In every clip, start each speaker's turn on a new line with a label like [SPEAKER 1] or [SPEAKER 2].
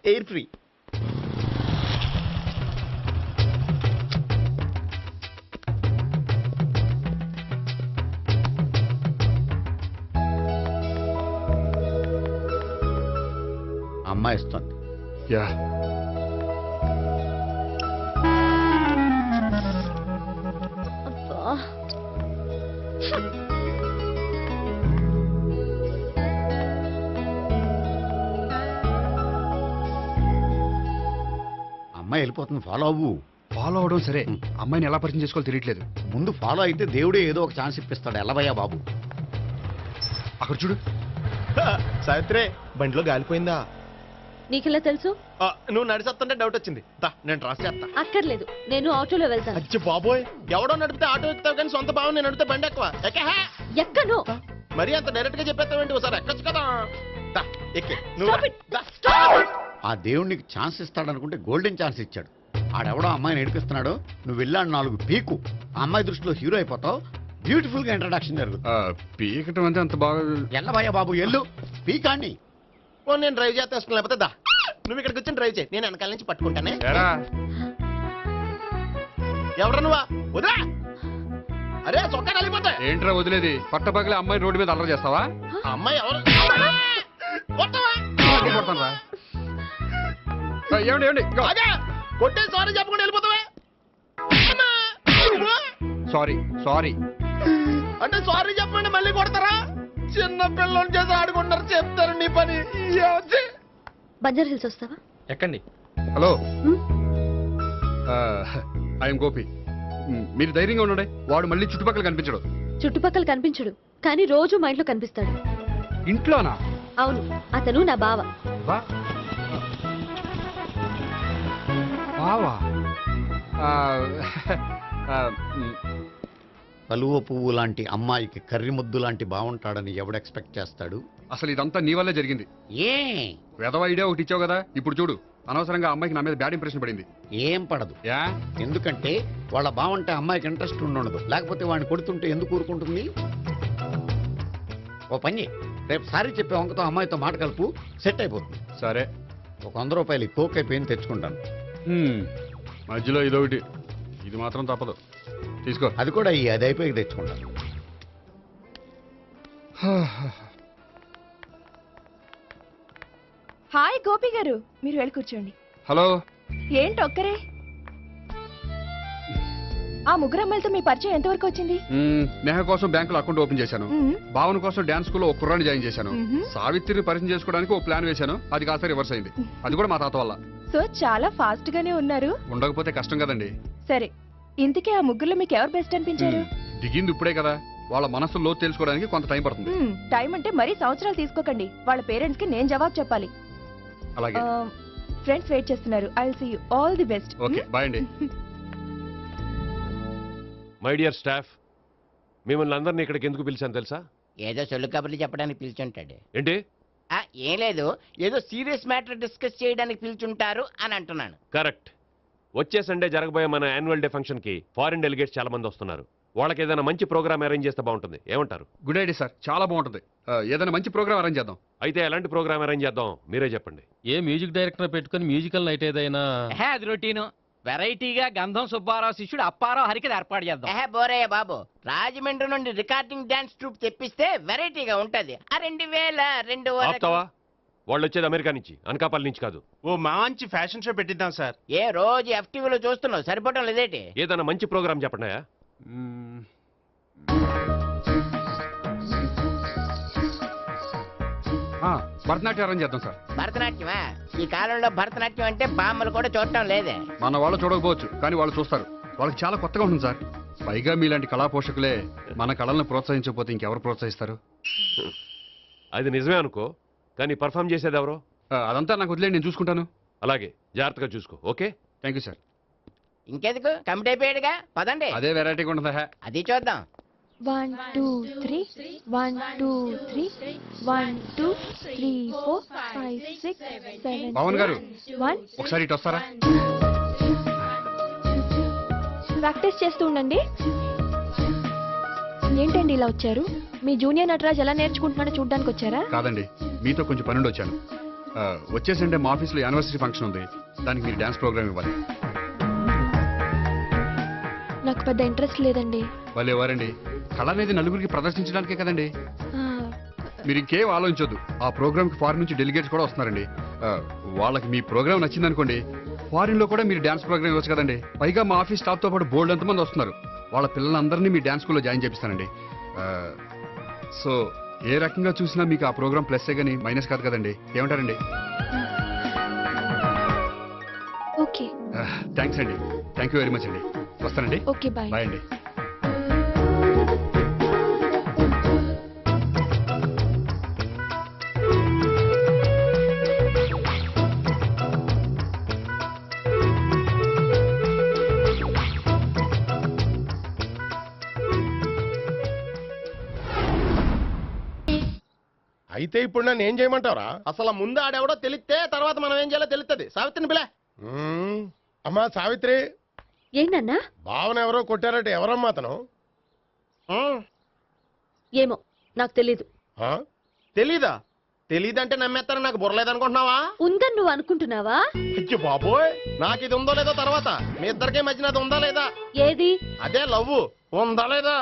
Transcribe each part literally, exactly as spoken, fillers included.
[SPEAKER 1] Air free. అమ్మాయి ఇస్తుంది.
[SPEAKER 2] Yeah
[SPEAKER 1] అమ్మాయి వెళ్ళిపోతుంది, ఫాలో అవ్వు.
[SPEAKER 2] ఫాలో అవడం సరే, అమ్మాయిని ఎలా పరిచయం చేసుకోవాలో తెలియట్లేదు.
[SPEAKER 1] ముందు ఫాలో అయితే దేవుడే ఏదో ఒక ఛాన్స్ ఇప్పిస్తాడు. ఎల్లవయ్యా బాబు.
[SPEAKER 2] అక్కడ చూడు.
[SPEAKER 3] సావిత్రి, బండిలో గాలిపోయిందా?
[SPEAKER 4] నీకెలా తెలుసు?
[SPEAKER 3] ఆ, నువ్వు నడిచేస్తుంటే డౌట్ వచ్చింది. దా, నేను ట్రాస్ చేస్తా.
[SPEAKER 4] అక్కర్లేదు, నేను ఆటోలో వెళ్తాను.
[SPEAKER 3] అచ్చి బాబోయ్, ఎవడో నడిపితే ఆటో ఎక్కుతావు కానీ సొంత భావం నేను నడిపితే బండి ఎక్కువ. ఎక్కహా?
[SPEAKER 4] ఎక్కను.
[SPEAKER 3] మరి అంత డైరెక్ట్ గా చెప్పేస్తావేంటి? ఒకసారి ఎక్కొచ్చు కదా. దా, ఎక్కే. నువ్వు
[SPEAKER 4] Stop
[SPEAKER 3] రా.
[SPEAKER 4] it.
[SPEAKER 3] దా.
[SPEAKER 1] ఆ దేవుడికి ఛాన్స్ ఇస్తాడనుకుంటే గోల్డెన్ ఛాన్స్ ఇచ్చాడు. ఆడెవడో అమ్మాయిని ఏడిపిస్తున్నాడు, నువ్వు వెళ్ళాడు నాలుగు పీకు. ఆ అమ్మాయి దృష్టిలో హీరో అయిపోతావు. బ్యూటిఫుల్ గా ఇంట్రడక్షన్ జరుగుతుంది.
[SPEAKER 2] ఆ, పీకటం అంటే అంత బాగా.
[SPEAKER 1] ఎల్లవయ్యా బాబు, ఎల్లు పీకాన్ని.
[SPEAKER 3] ఓ, నేను డ్రైవ్ చేస్తాను. లేకపోతే దా, నువ్వు ఇక్కడికి వచ్చి డ్రైవ్ చేయి, నేను వెనకాల నుంచి పట్టుకుంటానే.
[SPEAKER 2] ఎరా
[SPEAKER 3] ఎవరు నువ్వా? వదిలా. అరే చొక్కా కలిగిపోతా.
[SPEAKER 2] ఏంట్రా వదిలేది? పట్టపగలే అమ్మాయి రోడ్డు మీద అల్లరి చేస్తావా?
[SPEAKER 3] ఆ అమ్మాయి ఎవరు? కొట్టవా?
[SPEAKER 2] కొడతానురా. ఆ, ఏమండి ఏమండి
[SPEAKER 3] అదే కొట్టే సారీ చెప్పకుండా వెళ్ళిపోతావా? అమ్మా!
[SPEAKER 2] Sorry sorry.
[SPEAKER 3] అంటే సారీ చెప్పండి మళ్ళీ కొడతారా? చిన్న పిల్లలు చేసి ఆడుకుంటారు, చెప్తారు నీ పని. ఏమొచ్చి?
[SPEAKER 4] బంజారా హిల్స్ వస్తావా?
[SPEAKER 2] ఎక్కండి. హలో,
[SPEAKER 4] హ్మ్?
[SPEAKER 2] ఐఎమ్ గోపి. మ్, మీరు ధైర్యంగా ఉండండి. వాడు మళ్ళీ చుట్టుపక్కల కనిపించడు.
[SPEAKER 4] చుట్టుపక్కల కనిపించడు, కానీ రోజు మా ఇంట్లో కనిపిస్తాడు.
[SPEAKER 2] ఇంట్లోనా?
[SPEAKER 4] అవును, అతను నా బావ.
[SPEAKER 2] వా బావా? ఆ, ఆ, మ్,
[SPEAKER 1] కలువ పువ్వు లాంటి అమ్మాయికి కర్రి ముద్దు లాంటి బాగుంటాడని ఎవడు ఎక్స్పెక్ట్ చేస్తాడు?
[SPEAKER 2] అసలు ఇదంతా నీ వల్లే జరిగింది.
[SPEAKER 1] ఏ
[SPEAKER 2] వెధవ ఐడియా ఒకటి ఇచ్చావు కదా, ఇప్పుడు చూడు. అనవసరంగా అమ్మాయికి నా మీద బ్యాడ్ ఇంప్రెషన్ పడింది.
[SPEAKER 1] ఏం పడదు.
[SPEAKER 2] యా
[SPEAKER 1] ఎందుకంటే వాళ్ళ బాగుంటే అమ్మాయికి ఇంట్రెస్ట్ ఉండదు. లేకపోతే వాడిని కొడుతుంటే ఎందుకు ఊరుకుంటుంది? ఓ పని చెయ్. రేపు సారీ చెప్పే వంకతో అమ్మాయితో మాట కలుపు, సెట్ అయిపోతుంది.
[SPEAKER 2] సరే.
[SPEAKER 1] ఒక వంద రూపాయలు కోక్ అయిపోయింది, తెచ్చుకుంటాను.
[SPEAKER 2] హ్మ్, మధ్యలో ఇదొకటి. ఇది మాత్రం తప్పదు. తీసుకో.
[SPEAKER 1] అది కూడా ఈ అది అయిపోయి తెచ్చుకుంటాను.
[SPEAKER 5] హాయ్ గోపి గారు, మీరు వెళ్ళి కూర్చోండి.
[SPEAKER 2] హలో.
[SPEAKER 5] ఏంటి ఒక్కరే? ఆ ముగ్గురు అమ్మాయిలతో మీ పరిచయం ఎంతవరకు వచ్చింది?
[SPEAKER 2] మ్, నేహ కోసం బ్యాంకులో అకౌంట్ ఓపెన్ చేశాను.
[SPEAKER 5] మ్మ్.
[SPEAKER 2] భావన కోసం డాన్స్ స్కూల్లో ఒక కుర్రాన్ని జాయిన్ చేశాను.
[SPEAKER 5] మ్మ్.
[SPEAKER 2] సావిత్రిని పరిచయం చేసుకోవడానికి ఒక ప్లాన్ వేశాను. అది కాస్త రివర్స్ అయింది. అది కూడా మా తాత వల్ల.
[SPEAKER 5] సో చాలా ఫాస్ట్ గానే ఉన్నారు.
[SPEAKER 2] ఉండకపోతే కష్టం కదండి.
[SPEAKER 5] సరే, ఇంతకీ ఆ ముగ్గురులో మీకు ఎవరు బెస్ట్ అనిపించారు?
[SPEAKER 2] మ్, దిగింది ఇప్పుడే కదా, వాళ్ళ మనసు లోతు తెలుసుకోవడానికి కొంత టైం పడుతుంది.
[SPEAKER 5] మ్మ్, టైం అంటే మరీ సంవత్సరాలు తీసుకోకండి. వాళ్ళ పేరెంట్స్ కి నేను జవాబు చెప్పాలి.
[SPEAKER 2] అలాగే.
[SPEAKER 5] ఫ్రెండ్స్ వెయిట్ చేస్తున్నారు. I will see you all the best.
[SPEAKER 2] Okay, bye అండి.
[SPEAKER 6] మై డియర్ స్టాఫ్, మిమ్మల్ని అందరినీ ఇక్కడికి ఎందుకు పిలిచాను తెలుసా?
[SPEAKER 7] ఏదో సొల్లు కబుర్లు చెప్పడానికి పిలుచుంటాడు.
[SPEAKER 6] ఏంటి?
[SPEAKER 7] ఆ, ఏం లేదు, ఏదో సీరియస్ మ్యాటర్ డిస్కస్ చేయడానికి పిలుచుంటారు అని అంటున్నాను.
[SPEAKER 6] కరెక్ట్. వచ్చే సండే జరగబోయే మన యాన్యువల్ డే ఫంక్షన్ కి ఫారిన్ డెలిగేట్స్ చాలా మంది వస్తున్నారు. వాళ్ళకి ఏదైనా మంచి ప్రోగ్రామ్ అరేంజ్ చేస్తే బాగుంటుంది. ఏమంటారు?
[SPEAKER 2] గుడ్ ఐడియా సార్, చాలా బాగుంటుంది. ఆ, ఏదైనా మంచి ప్రోగ్రామ్ అరేంజ్ చేద్దాం.
[SPEAKER 6] అయితే ఎలాంటి ప్రోగ్రామ్ అరేంజ్ చేద్దాం మీరే చెప్పండి.
[SPEAKER 8] ఏ మ్యూజిక్ డైరెక్టర్ పెట్టుకుని మ్యూజికల్ నైట్ ఏదైనా?
[SPEAKER 7] అది రొటీను. వెరైటీగా గంధం సుబ్బారావు శిష్యుడు అప్పారావు హరికి ఏర్పాటు చేద్దాం. ఏహే బోరయ్య బాబు, రాజమండ్రి నుండి రికార్డింగ్ డాన్స్ ట్రూప్ తెప్పిస్తే వెరైటీగా ఉంటది. ఆ రెండు వేల రెండు
[SPEAKER 6] ఆపుతావా? వాళ్ళు వచ్చేది అమెరికా నుంచి, అనకాపల్లి నుంచి కాదు.
[SPEAKER 3] ఓ మంచి ఫ్యాషన్ షో పెట్టిద్దాం సార్.
[SPEAKER 7] ఏ రోజు ఎఫ్టీవీలో చూస్తున్నావు, సరిపోవటం లేదేటి?
[SPEAKER 6] ఏదైనా మంచి ప్రోగ్రామ్ చెప్పండి.
[SPEAKER 2] మ్, ఆ, భరతనాట్యం అరేంజ్ చేద్దాం సార్.
[SPEAKER 7] భరతనాట్యమా? ఈ కాలంలో భరతనాట్యం అంటే బామ్మలు కూడా చూడటం లేదే.
[SPEAKER 2] మన వాళ్ళు చూడకపోవచ్చు, కానీ వాళ్ళు చూస్తారు. వాళ్ళకి చాలా కొత్తగా ఉంటుంది సార్. పైగా మీలాంటి కళా పోషకులే మన కళలను ప్రోత్సహించకపోతే ఇంకెవరు ప్రోత్సహిస్తారు?
[SPEAKER 6] అది నిజమే అనుకో, కానీ పర్ఫామ్ చేసేది ఎవరో?
[SPEAKER 2] ఆ, అదంతా నాకు వదిలేండి, నేను చూసుకుంటాను.
[SPEAKER 6] అలాగే, జాగ్రత్తగా చూసుకో. Okay,
[SPEAKER 2] thank you sir.
[SPEAKER 7] ఇంకెందుకు, కమిటీ అయిపోయాడుగా, పదండి.
[SPEAKER 2] అదే వెరైటీగా ఉంటుందా?
[SPEAKER 7] అది చూద్దాం.
[SPEAKER 5] One two three one two three one two three four five six seven
[SPEAKER 2] Pavan garu,
[SPEAKER 5] one.
[SPEAKER 2] ఒకసారి ఇటు వస్తారా?
[SPEAKER 5] ప్రాక్టీస్ చేస్తూ ఉండండి. ఏంటండి ఇలా వచ్చారు? మీ జూనియర్ నటరాజ్ ఎలా నేర్చుకుంటున్నాడో చూడ్డానికి వచ్చారా?
[SPEAKER 2] కాదండి, మీతో కొంచెం పనుండి వచ్చాను. ఆ, వచ్చే సండే మా ఆఫీస్లో యానివర్సరీ ఫంక్షన్ ఉంది, దానికి మీరు డ్యాన్స్ ప్రోగ్రామ్ ఇవ్వాలి.
[SPEAKER 5] నాకు పెద్ద ఇంట్రెస్ట్ లేదండి.
[SPEAKER 2] వాళ్ళు ఎవరండి? కళ అనేది నలుగురికి ప్రదర్శించడానికే కదండి.
[SPEAKER 5] ఆ,
[SPEAKER 2] మీరు ఇంకేం ఆలోచించొద్దు. ఆ ప్రోగ్రామ్కి ఫారిన్ నుంచి డెలిగేట్స్ కూడా వస్తున్నారండి. ఆ, వాళ్ళకి మీ ప్రోగ్రామ్ నచ్చిందనుకోండి, ఫారిన్ లో కూడా మీరు డ్యాన్స్ ప్రోగ్రామ్ ఇవ్వచ్చు కదండి. పైగా మా ఆఫీస్ స్టాఫ్ తో పాటు బోల్డ్ ఎంతమంది వస్తున్నారు. వాళ్ళ పిల్లలందరినీ మీ డ్యాన్స్ స్కూల్లో జాయిన్ చేపిస్తానండి. ఆ, సో ఏ రకంగా చూసినా మీకు ఆ ప్రోగ్రామ్ ప్లస్సే కానీ మైనస్ కాదు కదండి. ఏమంటారండి?
[SPEAKER 5] ఓకే
[SPEAKER 2] థ్యాంక్స్ అండి. థ్యాంక్ యూ వెరీ మచ్ అండి. వస్తానండి.
[SPEAKER 5] Okay bye.
[SPEAKER 2] బాయ్ అండి.
[SPEAKER 3] అయితే ఇప్పుడు నన్ను ఏం చేయమంటావరా? అసలు ముందు ఆడెవడో తెలిస్తే తర్వాత మనం ఏం చేయాలో తెలుస్తుంది. సావిత్రిని పిల్ల. అమ్మా సావిత్రి,
[SPEAKER 4] ఏంటన్నా?
[SPEAKER 3] భావన ఎవరో కొట్టారట. ఎవరమ్మా అతను?
[SPEAKER 4] ఏమో నాకు తెలీదు.
[SPEAKER 3] ఆ? తెలీదా? తెలీదంటే నమ్మేస్తారని నాకు బుర్రలేదనుకుంటున్నావా?
[SPEAKER 4] ఉందని నువ్వు అనుకుంటున్నావా?
[SPEAKER 3] అయ్యో బాబోయ్, నాకు ఇది ఉందో లేదో తర్వాత. మీ ఇద్దరికే మధ్యన అది ఉందా లేదా?
[SPEAKER 4] ఏది?
[SPEAKER 3] అదే లవ్ ఉందా లేదా?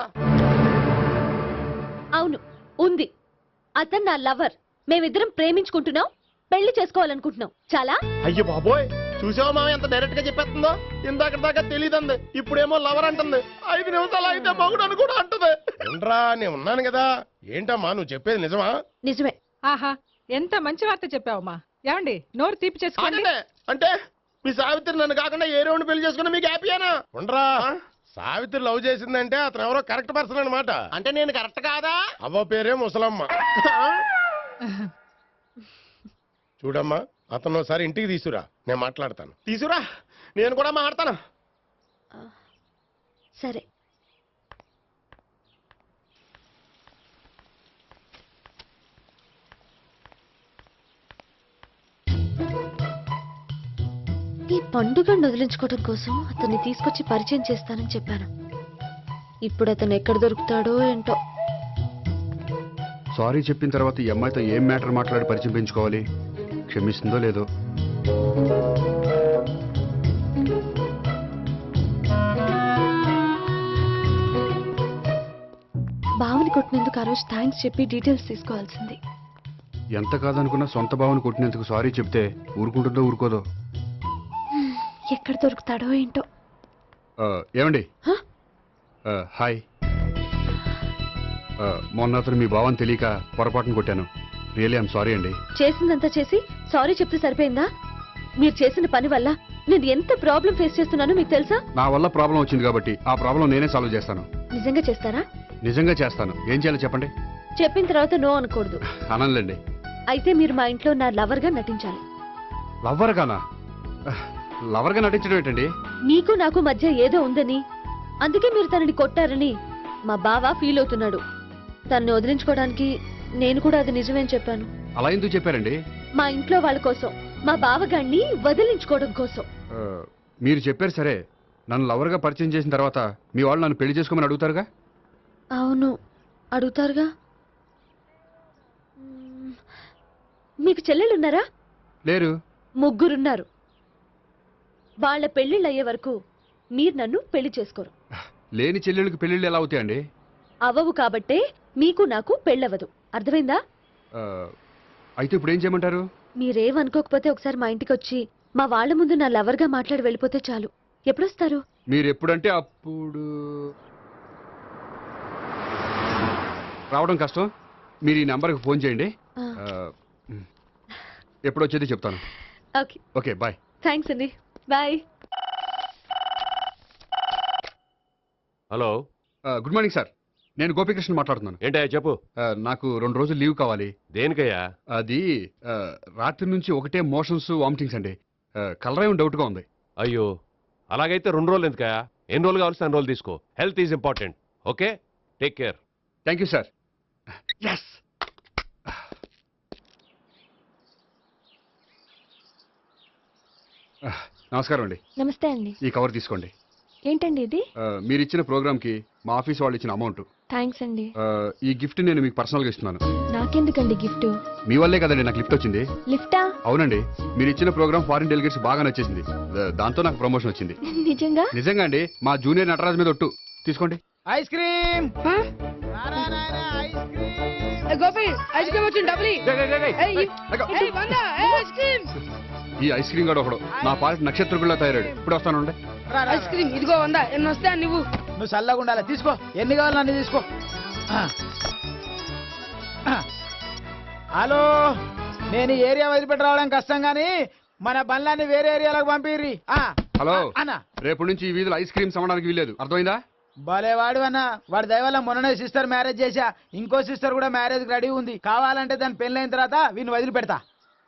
[SPEAKER 4] అవును, ఉంది. అతను నా లవర్. మేమిద్దరం ప్రేమించుకుంటున్నాం, పెళ్లి చేసుకోవాలనుకుంటున్నాం. చాలా.
[SPEAKER 3] అయ్యో బాబోయ్, చూసావా మామ ఎంత డైరెక్ట్ గా చెప్పేస్తుందో? ఇందాక దాకా తెలియదండి, ఇప్పుడేమో లవర్ అంటుంది. ఐదు నిమిషాలు అయితే మగుడు అని కూడా అంటుంది. ఏంట్రా, నేను ఉన్నాను కదా. ఏంటమ్మా నువ్వు చెప్పేది నిజమా?
[SPEAKER 4] నిజమే.
[SPEAKER 9] ఆహా, ఎంత మంచి వార్త చెప్పావమ్మా. ఏమండి, నోరు తీపి చేసుకోండి.
[SPEAKER 3] అంటే అంటే మీ సావిత్రి నన్ను కాకుండా ఏ రౌండ్ పెళ్లి చేసుకున్నా మీకు హ్యాపీయేనా? ఉండరా, సావిత్రి లవ్ చేసిందంటే అతను ఎవరో కరెక్ట్ పర్సన్ అనమాట. అంటే నేను కరెక్ట్ కాదా? అవ్వ పేరే ముసలమ్మ. చూడమ్మా, అతను ఒకసారి ఇంటికి తీసుకురా, నేను మాట్లాడతాను. తీసుకురా, నేను కూడా మాట్లాడతాను.
[SPEAKER 4] సరే. ఈ పండుగను వదిలించుకోవడం కోసం అతన్ని తీసుకొచ్చి పరిచయం చేస్తానని చెప్పాను. ఇప్పుడు అతను ఎక్కడ దొరుకుతాడో ఏంటో.
[SPEAKER 2] సారీ చెప్పిన తర్వాత ఈ అమ్మాయితో ఏం మ్యాటర్ మాట్లాడి పరిచయం పెంచుకోవాలి? క్షమిస్తుందో లేదో.
[SPEAKER 5] బావని కొట్టినందుకు ఆ రోజు థ్యాంక్స్ చెప్పి డీటెయిల్స్ తీసుకోవాల్సింది.
[SPEAKER 2] ఎంత కాదనుకున్నా సొంత భావన కొట్టినందుకు సారీ చెప్తే ఊరుకుంటుందో ఊరుకోదో.
[SPEAKER 5] ఎక్కడ దొరుకుతాడో ఏంటో.
[SPEAKER 2] ఆ, ఏమండి?
[SPEAKER 5] హ?
[SPEAKER 2] ఆ, హాయ్. ఆ, మొన్న అతను మీ భావం తెలియక పొరపాటును కొట్టాను. రియలీ ఐఎమ్ సారీ అండి.
[SPEAKER 4] చేసిందంతా చేసి సారీ చెప్తే సరిపోయిందా? మీరు చేసిన పని వల్ల నేను ఎంత ప్రాబ్లం ఫేస్ చేస్తున్నానో మీకు తెలుసా?
[SPEAKER 2] నా వల్ల ప్రాబ్లం వచ్చింది కాబట్టి ఆ ప్రాబ్లం నేనే సాల్వ్ చేస్తాను.
[SPEAKER 4] నిజంగా చేస్తారా?
[SPEAKER 2] నిజంగా చేస్తాను. ఏం చేయాలో చెప్పండి.
[SPEAKER 4] చెప్పిన తర్వాత నో అనకూడదు.
[SPEAKER 2] అనంలేండి.
[SPEAKER 4] అయితే మీరు మా ఇంట్లో నా లవర్ గా నటించాలి.
[SPEAKER 2] లవ్వర్ గానా? లవర్గా నటించడం ఏంటండి?
[SPEAKER 4] నీకు నాకు మధ్య ఏదో ఉందని, అందుకే మీరు తనని కొట్టారని మా బావ ఫీల్ అవుతున్నాడు. తనని వదిలించుకోవడానికి నేను కూడా అది నిజమేని చెప్పాను.
[SPEAKER 2] అలా ఎందుకు చెప్పారండి?
[SPEAKER 4] మా ఇంట్లో వాళ్ళ కోసం, మా బావగాన్ని వదిలించుకోవడం కోసం.
[SPEAKER 2] ఆ, మీరు చెప్పారు సరే. నన్ను లవర్గా పరిచయం చేసిన తర్వాత మీ వాళ్ళు నన్ను పెళ్లి చేసుకోమని అడుగుతారుగా?
[SPEAKER 4] అవును, అడుగుతారుగా. మ్మ్. మీకు చెల్లెలున్నారా?
[SPEAKER 2] లేరు.
[SPEAKER 4] ముగ్గురున్నారు. వాళ్ళ పెళ్లిళ్ళు అయ్యే వరకు మీరు నన్ను పెళ్లి చేసుకోరు.
[SPEAKER 2] లేని చెల్లెళ్ళకి పెళ్లిళ్ళు ఎలా అవుతాయండి?
[SPEAKER 4] అవ్వవు కాబట్టే మీకు నాకు పెళ్ళవదు. అర్థమైందా?
[SPEAKER 2] ఆ, అయితే ఇప్పుడు ఏం చేయమంటారు?
[SPEAKER 4] మీరేమనుకోకపోతే ఒకసారి మా ఇంటికి వచ్చి మా వాళ్ళ ముందు నా లవర్గా మాట్లాడి వెళ్ళిపోతే చాలు. ఎప్పుడొస్తారు?
[SPEAKER 2] మీరు ఎప్పుడంటే అప్పుడు. రావడం కష్టం. మీరు ఈ నెంబర్కి ఫోన్ చేయండి.
[SPEAKER 4] ఆ.
[SPEAKER 2] ఆ, ఎప్పుడు వచ్చేది చెప్తాను.
[SPEAKER 4] ఓకే.
[SPEAKER 2] Okay bye.
[SPEAKER 4] థ్యాంక్స్ అండి. Bye.
[SPEAKER 6] Hello,
[SPEAKER 2] good morning sir. నేను గోపికృష్ణ మాట్లాడుతున్నాను.
[SPEAKER 6] ఏంటయ్యా చెప్పు.
[SPEAKER 2] ఆ, నాకు రెండు రోజులు లీవ్ కావాలి.
[SPEAKER 6] దేనికయ్యా?
[SPEAKER 2] అది ఆ, రాత్రి నుంచి ఒకటే మోషన్స్ వామిటింగ్స్ అండి. కలరేం డౌట్గా ఉంది.
[SPEAKER 6] అయ్యో, అలాగైతే రెండు రోజులు ఎందుకయ్యా? ఎన్ని రోజులు కావాల్సిన అన్ని రోజులు తీసుకో. Health is important. Okay, take care.
[SPEAKER 2] Thank you sir. Yes. నమస్కారం అండి.
[SPEAKER 5] నమస్తే అండి.
[SPEAKER 2] ఈ కవర్ తీసుకోండి.
[SPEAKER 5] ఏంటండి ఇది?
[SPEAKER 2] ఆ, మీరు ఇచ్చిన ప్రోగ్రామ్ కి మా ఆఫీస్ వాళ్ళు ఇచ్చిన అమౌంట్.
[SPEAKER 5] థ్యాంక్స్ అండి.
[SPEAKER 2] ఈ గిఫ్ట్ నేను మీకు పర్సనల్ గా ఇస్తున్నాను.
[SPEAKER 5] నాకెందుకండి గిఫ్ట్?
[SPEAKER 2] మీ వల్లే కదండి నాకు లిఫ్ట్ వచ్చింది.
[SPEAKER 5] లిఫ్టా?
[SPEAKER 2] అవునండి, మీరు ఇచ్చిన ప్రోగ్రామ్ ఫారిన్ డెలిగేట్స్ బాగా నచ్చేసింది. దా- దాంతో నాకు ప్రమోషన్ వచ్చింది.
[SPEAKER 5] నిజంగా?
[SPEAKER 2] నిజంగా అండి, మా జూనియర్ నటరాజ్ మీద ఒట్టు. తీసుకోండి.
[SPEAKER 10] Ice cream Gopi, ice cream వచ్చింది డబ్బులు
[SPEAKER 2] ఈ ఐస్ క్రీమ్ గడు ఒకడు నా పాలిట నక్షత్రకుల్లా తయారాడు. ఇప్పుడు వస్తాను.
[SPEAKER 10] ఐస్ క్రీమ్ ఇదిగో వందా ఎన్ని వస్తా నువ్వు నువ్వు చల్లగా ఉండాలి. తీసుకో, ఎన్ని కావాలి అన్ని తీసుకో. హలో, నేను ఈ ఏరియా వదిలిపెట్టి రావడం కష్టం గానీ మన బండ్లన్నీ వేరే ఏరియాలకు పంపిర్రి.
[SPEAKER 2] హలో
[SPEAKER 10] అన్న,
[SPEAKER 2] రేపు నుంచి ఈ వీధిలో ఐస్ క్రీమ్స్ అమ్మడానికి వీల్లేదు. అర్థమైందా?
[SPEAKER 10] భలే వాడు అన్న. వాడి దయ వల్ల మొన్ననే సిస్టర్ మ్యారేజ్ చేశా. ఇంకో సిస్టర్ కూడా మ్యారేజ్ రెడీ ఉంది. కావాలంటే దాని పెళ్ళైన తర్వాత వీడిని వదిలిపెడతా.